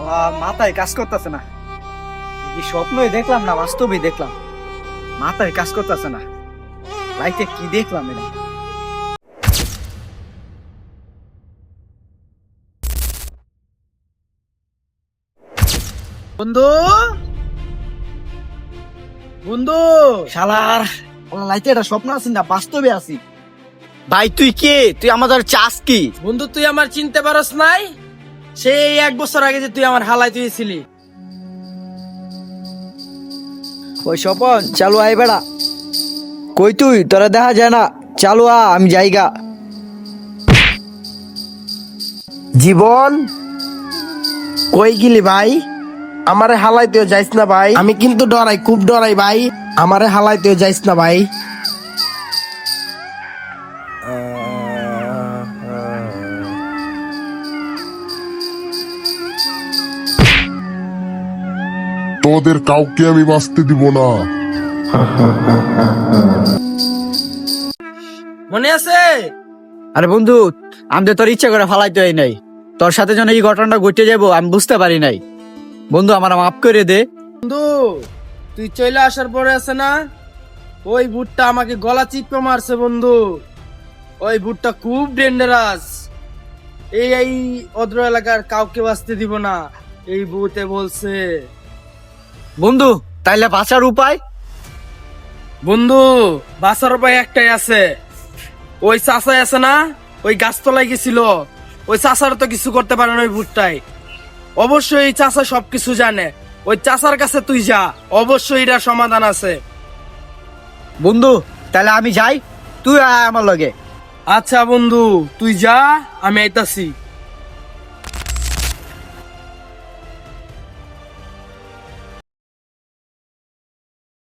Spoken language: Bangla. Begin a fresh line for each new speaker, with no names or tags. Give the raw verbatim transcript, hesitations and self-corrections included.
মাথায় কাজ করতেছে না, কি স্বপ্নই দেখলাম না বাস্তবেই দেখলাম, মাথায় কাজ করতেছে না, লাইফে কি দেখলাম এটা।
বন্ধু বন্ধু
শালার লাইফে এটা স্বপ্ন আছি না বাস্তবে আছি।
ভাই তুই কে? তুই আমাদের চাস কি?
বন্ধু তুই আমার চিনতে পারস নাই? সেই এক বছর আগে যে তুই আমার হালাই তুইছিলি।
ওই স্বপন চালু আয় বেড়া। কই তুই? তোরা দেখা যায় না, চালু আ, আমি যাইগা।
জীবন কই গেলি ভাই? আমারে হালাইতেও যাইস না ভাই, আমি কিন্তু ডরাই, খুব ডরাই ভাই, আমারে হালাইতেও যাইস না ভাই।
তোদের কাউকে আমি বাঁচতে দিব না।
মনে আছে?
আরে বন্ধু, আমি তো তোর ইচ্ছা করে ফালাইতে হয় নাই, তোর সাথে যেন এই ঘটনাটা ঘটে যাবো আমি বুঝতে পারি নাই। বন্ধু আমার মাফ করে দে।
বন্ধু তুই চলে আসার পরে আছে না, ওই ভুট্টা আমাকে গলা চিপকে মারছে বন্ধু। ওই ভুট্টা খুব ডেঞ্জারাস, এই এই অদ্র এলাকার কাউকে বাঁচতে দিব না, এই ভূতে বলছে।
বন্ধু তাইলে বাঁচার উপায়?
বন্ধু বাঁচার উপায় একটাই আছে, ওই চাষাই আছে না, ওই গাছতলায় গেছিল, ওই চাষার তো কিছু করতে পারে না ওই ভুট্টায়। অবশ্যই এই চাষা সবকিছু জানে, ওই চাষার কাছে তুই যা, অবশ্যই এটার সমাধান আছে।
বন্ধু তাহলে আমি যাই, তুই আয় আমার লগে।
আচ্ছা বন্ধু তুই যা, আমি আইতাছি।